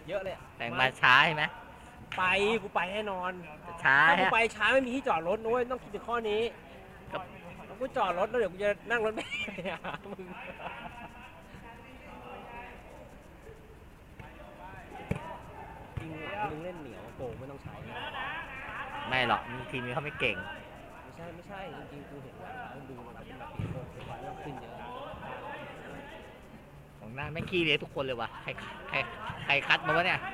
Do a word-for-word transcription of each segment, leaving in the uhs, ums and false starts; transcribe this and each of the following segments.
เยอะเลยแต่งมาช้าใช่ไหมไปกูไปแน่นอนช้าถ้ากูฮะไปช้าไม่มีที่จอดรถนุ้ยต้องคิดถึงข้อนี้แล้วกูจอดรถแล้วเดี๋ยวกูจะนั่งรถไม่ได้มึงจริงมึงเล่นเหนียวโป่งไม่ต้องใช้ไม่หรอกทีมนี้เขาไม่เก่งไม่ใช่ไม่ใช่จริงๆกูเห็นว่ามึงดูมันเป็นแบบปีโป่งเป็นวันขึ้นเยอะของหน้าแม่งขี้เลยทุกคนเลยว่ะใครใครใครคัดมาวะเนี่ย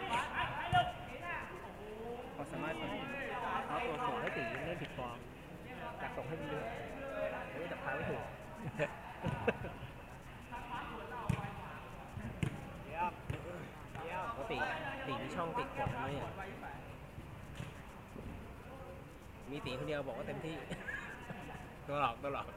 เขาสามารถเอาตัวส่งให้ตีเล่นผิดฟอร์มอยากส่งให้มันเยอะไม่จับพาไม่ถูกปกติตีมีช่องติดกดไหมมีตีคนเดียวบอกว่าเต็มที่ตัวหลอกตัวหลอก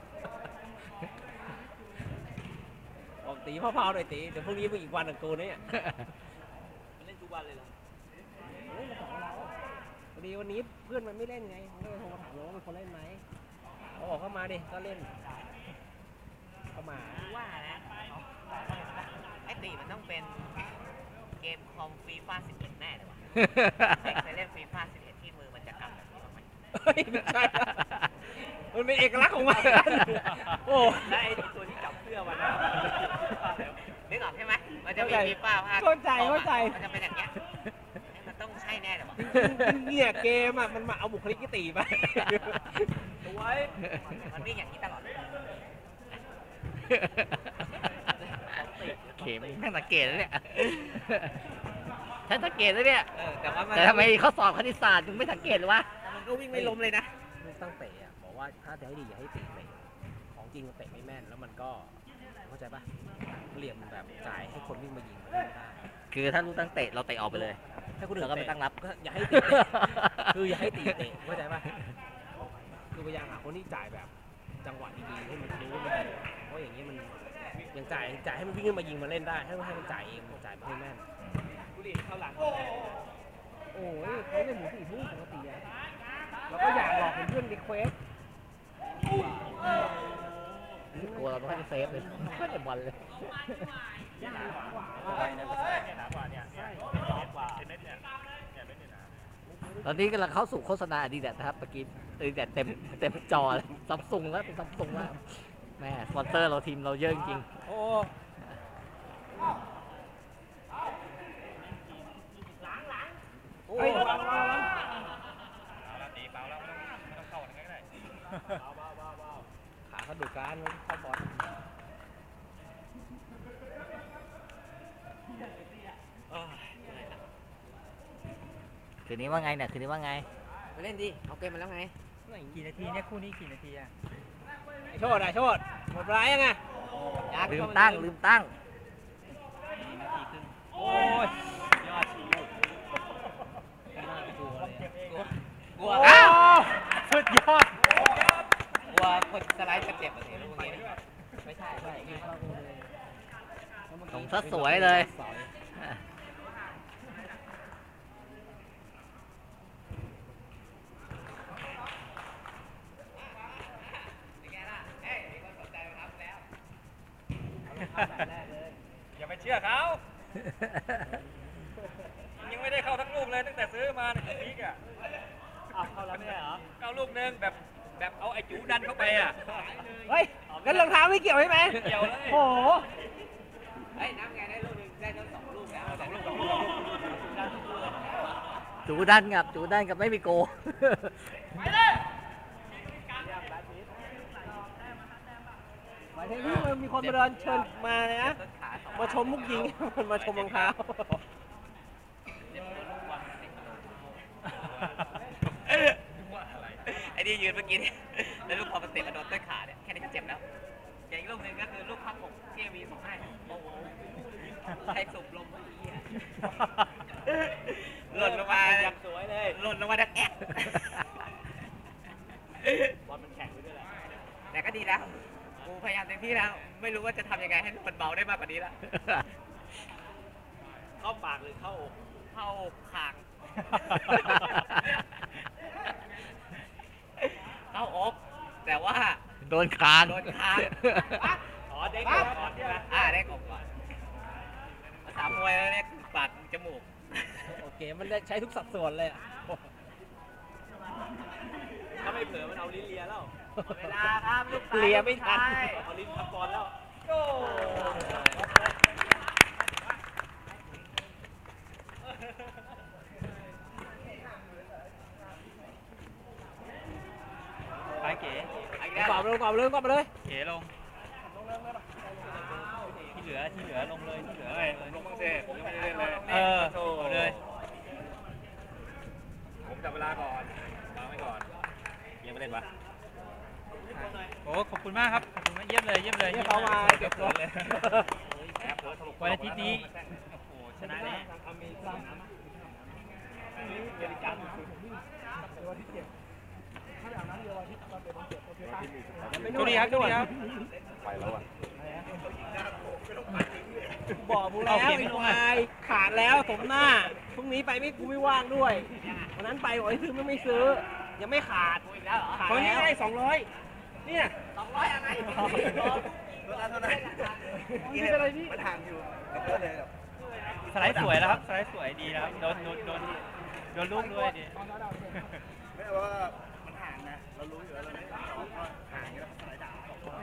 บอกตีพ่อเผาหน่อยตีเดี๋ยวพรุ่งนี้มึงอีกวันหนึ่งกูเนี่ยเล่นทุกวันเลยเหรอเล่นมาสองเราพอดีวันนี้เพื่อนมันไม่เล่นไงผมก็เลยโทรมาถามว่ามันคนเล่นไหมเขาบอกเข้ามาดิก็เล่นเข้ามาว่านะไอ้ตีมันต้องเป็นเกมคอมฟีฟ่าสิบเอ็ดแน่เลยว่ะเคยเล่นฟีฟ่าสิบเอ็ดที่มือมันจะกำแบบนี้ไหมไม่ใช่มันเป็นเอกลักษณ์ของมันโอ้และไอ้ตัวที่จับเสื้อมันนึกออกใช่ไหมมันจะมีฟีฟ่าภาคเข้าใจเข้าใจมันจะเป็นอย่างเงี้ยมันต้องใช่แน่เลยว่ะเนี่ยเกมอ่ะมันมาเอาบุคลิกตีไปตัวไว้มันวิ่งอย่างนี้ตลอดเข็มแม่งสังเกตแล้วเนี่ยฉันสังเกตแล้วเนี่ยแต่ว่าแต่ทำไมเขาสอบคณิตศาสตร์มึงไม่สังเกตหรือวะมันก็วิ่งไม่ล้มเลยนะลูกตั้งเตะอ่ะบอกว่าถ้าจะให้ดีอย่าให้ตีเตะของจริงมันเตะไม่แม่นแล้วมันก็เข้าใจป่ะเหลี่ยมแบบจ่ายให้คนวิ่งมายิงมันไม่ได้คือถ้าลูกตั้งเตะเราเตะออกไปเลยให้คนอื่นก็ไม่ตั้งรับอย่าให้ตีคืออย่าให้ตีเตะเข้าใจป่ะคือพยายามหาคนที่จ่ายแบบจังหวะดีๆให้มันรู้มันเพราะอย่างนี้มันยังจ่ายจ่ายให้มันวิ่งขึ้นมายิงมาเล่นได้ให้ให้มันจ่ายเองจ่ายไม่ให้แม่นกูดีเข้าหลังโอ้ยเขาเล่นหมูสี่ทุ่มปกติอ่ะแล้วก็อยากหลอกเพื่อนรีเควสกลัวเราไม่ค่อยจะเซฟเลยไม่ค่อยจะบอลเลยตอนนี้กำลังเข้าสู่โฆษณาดีแดดนะครับเมื่อกี้ดีแดดเต็มเต็มจอเลยซัมซุงแล้วเป็นซัมซุงแล้วแม่สปอนเซอร์เราทีมเราเยอะจริงโอ้โอ้ยเบาแล้วตีเบาแล้วไม่ต้องไม่ต้องเข้าอะไรก็ได้ขาเขาดูการเข้าบอลคืนนี้ว่าไงเนี่ยคืนนี้ว่าไงมาเล่นดิเอาเกมมาแล้วไงกี่นาทีเนี่ยคู่นี้กี่นาทีอะโชดอะโชดหมดร้ายยังไงลืมตั้งลืมตั้งนาทีครึ่งโอ้ยยอดชีวิตกลัวเลยกลัวอ้าวสุดยอดกลัวคนสไลด์จะเจ็บอะไรพวกนี้ไม่ใช่ใช่ส่งซะสวยเลยอย่าไปเชื่อเขายังไม่ได้เข้าทั้งลูกเลยตั้งแต่ซื้อมาในพีกอ่ะเข้าแล้วไม่ใช่เหรอเข้าลูกนึงแบบแบบเอาไอ้จูดันเข้าไปอ่ะเฮ้ยงั้นรองเท้าไม่เกี่ยวใช่ไหมเกี่ยวเลยโอ้โหเฮ้ยน้ำไงได้ลูกนึงได้ทั้งสองลูกแล้วสองลูกสองลูกจูดันกับจูดันกับไม่มีโกไปเลยหมายถึงที่มีคนมาเดินเชิญมาเลยนะมาชมมุกยิงมันมาชมรองเท้าไอ้นี่ยืนเมื่อกี้เนี่ยแล้วลูกพอมันเตะมาโดนต้นขาเนี่ยแค่นี้ก็เจ็บแล้วอย่างอีกลูกนึงก็คือลูกพักหกเกมีสองให้โอ้โหใครสูบลมหล่นลงมาสวยเลยหล่นลงมาดักแอะบอลมันแข็งไปด้วยแหละแต่ก็ดีแล้วกูพยายามเต็มที่แล้วไม่รู้ว่าจะทำยังไงให้มันเบาได้มากกว่านี้ละเข้าปากหรือเข้าอกเข้าคางเข้าอกแต่ว่าโดนคางโดนคางอ๋อเด็กก่อนใช่ไหมอ่าเด็กก่อนภาษามวยแล้วเนี่ยปากจมูกโอเคมันได้ใช้ทุกสัดส่วนเลยอะถ้าไม่เผลอมันเอาลิ้นเลียแล้วเวลาครับลูกเลียไม่ทันเอาลิ้นทับบอลแล้วโก้ไปเก๋กรอบเลยกรอบเลยกรอบเลยเก๋ลงที่เหลือที่เหลือลงเลยที่เหลือเลยลงบ้างสิผมยังไม่ได้เล่นเลยเออเอาเลยผมจับเวลาก่อนวางไว้ก่อนยังไม่เล่นปะโอ้ขอบคุณมากครับขอบคุณมากเยี่ยมเลยเยี่ยมเลยเนี่ยเขามาเก็บตัวเลยวันอาทิตย์นี้โอ้โหชนะแน่ โชคดีครับโชคดีครับไปแล้วอ่ะบอกมึงแล้วไอ้ควายขาดแล้วสมหน้าพรุ่งนี้ไปไม่กูไม่ว่างด้วยวันนั้นไปบอกให้ซื้อไม่ไม่ซื้อ ยังไม่ขาดขาดคนนี้แล้วได้สองร้อยเนี่ยสองร้อยอะไรเวลาเท่าไหร่นี่อะไรนี่มันห่างอยู่ก็เลยแบบสไลด์สวยแล้วครับสไลด์สวยดีนะครับโดนโดนโดนโดนลูกด้วยดิไม่ว่ามันห่างนะเรารู้อยู่แล้วเราไม่ต้องสองก็ห่างแล้วสายด่า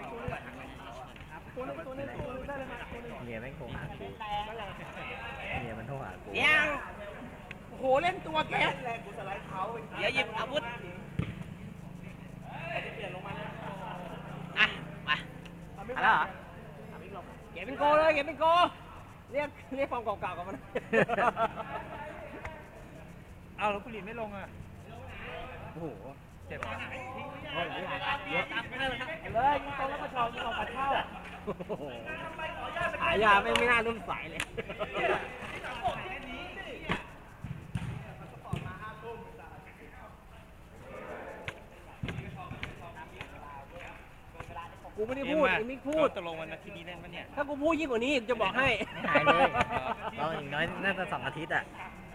เมียแม่งโทรหากูเมียมันโทรหากูยังโอ้โหเล่นตัวแกเดี๋ยวหยิบอาวุธอ่ะมาเอาแล้วเหรอเก็บเป็นโกเลยเก็บเป็นโกเรียกเรียกฟอร์มเก่าๆกับมันเอาแล้วกุหลีไม่ลงอ่ะโอ้โหเจ็บเลยยิงตรงแล้วก็ชอบยิงออกปัดเข้าหายาไม่ไม่น่ารุ่นสายเลยกูไม่ได้พูดไอ้มิกพูดตกลงวันอาทิตย์นี้เล่นปะเนี่ยถ้ากูพูดยิ่งกว่านี้จะบอกให้ไม่หายเลยเราอีกน้อยน่าจะสองอาทิตย์อ่ะ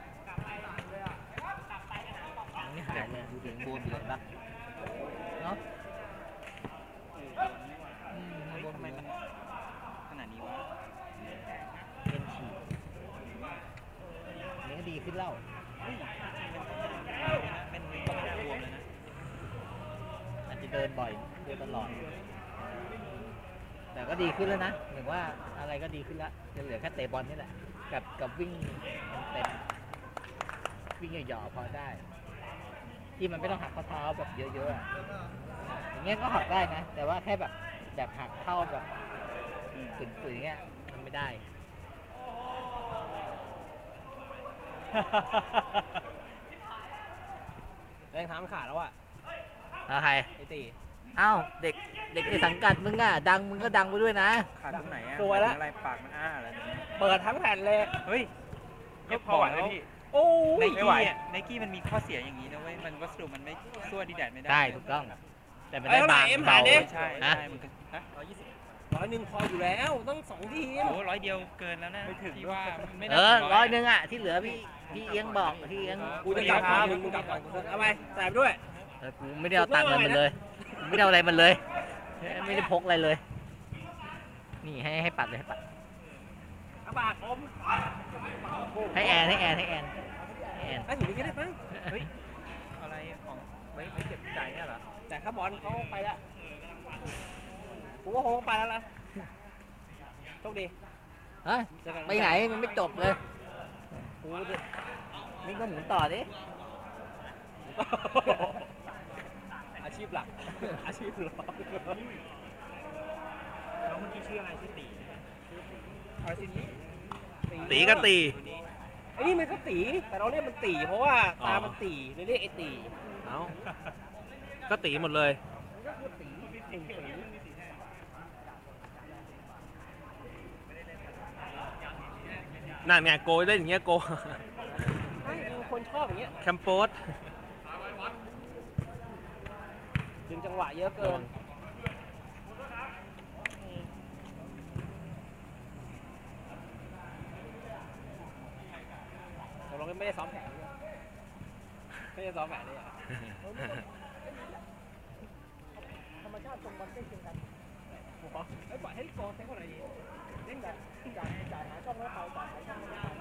ไม่หายเลยดูถึงบวมอยู่เลยปะเนาะอืมเฮ้ยบวมทำไมมันขนาดนี้วะเป็นฉีดนี่ก็ดีขึ้นแล้วเป็นก็ไม่น่าบวมเลยนะอาจจะเดินบ่อยเดินตลอดแต่ก็ดีขึ้นแล้วนะเหมือนว่าอะไรก็ดีขึ้นแล้วจะเหลือแค่เตะบอลนี่แหละกับกับวิ่งเต็มๆวิ่งหย่อๆพอได้ ที่มันไม่ต้องหักข้อเท้าแบบเยอะๆอะอย่างเงี้ยก็หักได้นะ แต่ว่าแค่แบบแบบหักเข้าแบบฝืนๆอย่างเงี้ยมันไม่ได้แรงเท้ามันขาดแล้วอ่ะแล้วใครไอ้ตีเอ้าเด็กเด็กในสังกัดมึงอ่ะดังมึงก็ดังไปด้วยนะขาดตรงไหนอ่ะสวยแล้วอะไรปากมันอ้าอะไรเนี่ยเปิดทั้งแผ่นเลยเฮ้ยก็พอไหวแล้วพี่โอ้ยไนไม่กี้ไหวอ่ะไนกี้มันมีข้อเสียอย่างนี้นะเว้ย มันวัสดุมันไม่สู้ดีแดดไม่ได้ได้ถูกต้อง แต่ไม่เอ้ได้ยเท่าไหร่บางเอ็มเบาหาดิใช่ฮะใช่มันก็ฮะร้อยยี่สิบร้อยหนึ่งพออยู่แล้วต้องสองทีมโอ้ร้อยเดียวเกินแล้วนะที่ว่าไม่เอน่าอถึงร้อยหนึ่งอ่ะที่เหลือพี่พี่เอียงบอกพี่เอียงกูจะกลับก่อนมึงกลับก่อนเอาไปใส่ไปด้วยเออกูไม่ได้เอาตังค์อะไรมันเลยกูไม่ได้เอาอะไรมันเลย ไม่ได้พกอะไรเลย นี่ให้ให้ปัดเลยให้ปัดเอาบาทผมให้แอนให้แอนให้แอนให้แอนไอ้ถึงนี้ก็ได้มั้งเฮ้ยอะไรของไว้ไว้เก็บใจเนี่ยเหรอแต่ข้าบอลเขาไปแล้วกูว่าคงไปแล้วล่ะโชคดีฮะไปไหนมันไม่จบเลยกูจะนี่ก็หมุนต่อดิอาชีพหลักอาชีพหลักน้องเมื่อกี้ชื่ออะไรชื่อตีอะไรสิตีก็ตีไอ้นี่มันก็ตีแต่เราเรียกมันตีเพราะว่าตามันตีเลยเรียกไอ้ตีเอาก็ตีหมดเลย นั่นไงโกยได้อย่างเงี้ยโกใช่คือคนชอบอย่างเงี้ยแคมโปสดึงจังหวะเยอะเกินแต่เราก็ไม่ได้ซ้อมแผนด้วยไม่ได้ซ้อมแผนเลยอ่ะธรรมชาติตรงบอลใกล้เคียงกันไอ้ปล่อยให้กองเซ็งคนไหนดีเล่นแบบจ่ายจ่ายหาช่องแล้วเขาจ่ายหาช่องแล้วเขา